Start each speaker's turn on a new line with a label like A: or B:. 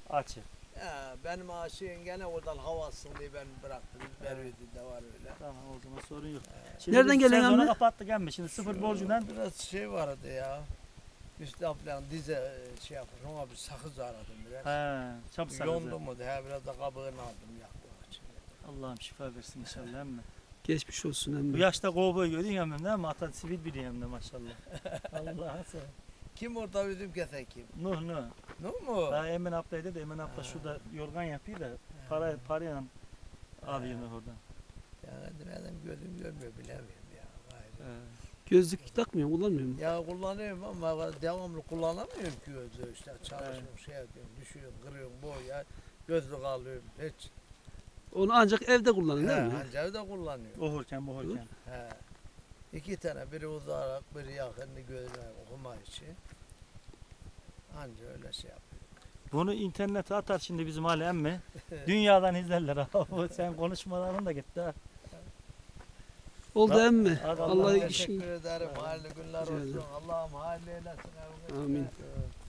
A: Açık.
B: Ya, benim aşığım gene oradan havasın diye ben bıraktım. Berüydi de var öyle.
A: Tamam o zaman sorun yok. Şimdi
C: Nereden
A: biz
C: geliyorsun
A: sezonu
C: emmi?
A: kapattık emmi. Şimdi sıfır
B: Şu
A: borcundan
B: biraz şey vardı ya. Üstü falan dize şey yapmış. Ona bir sakız aradım biraz.
A: çabuk sakızı.
B: Yondu mu diye biraz da kabığını aldım yaktım açık.
A: Allah'ım şifa versin inşallah emmi.
C: Geçmiş olsun
A: Bu
C: emmi.
A: yaşta kovboy görüyorsun emmi değil mi? Ata sivil biri hem de maşallah. Allah'a sen.
B: Kim orada bizim kesen kim?
A: Nuh Nuh.
B: Nuh mu?
A: Ha, Emin ablaydı da Emin abla şurada yorgan yapıyor da parayla alıyor oradan.
B: Yani benim gözüm görmüyor bilemiyorum ya. Gayrı.
C: Gözlük takmıyor, kullanmıyor mu?
B: Ya kullanıyorum ama devamlı kullanamıyorum ki gözü işte çalışıyorum şey yapıyorum düşüyorum kırıyorum boya gözlük alıyorum hiç.
C: Onu ancak evde kullanın değil mi?
B: Ancak evde kullanıyorum.
A: Ohurken bohurken.
B: He. İki tane biri uzarak biri yakınını gözüme okuma için. Anca öyle şey yapıyor.
A: Bunu internete atar şimdi bizim Ali emmi. Dünyadan izlerler abi. Sen konuşmaların da gitti ha.
C: Oldu emmi.
A: Hadi
C: Allah
B: Teşekkür
C: işin.
B: ederim. Hayırlı günler
C: Rica ederim.
B: olsun. Allah'ım hayırlı eylesin.
C: Amin.
B: Evet.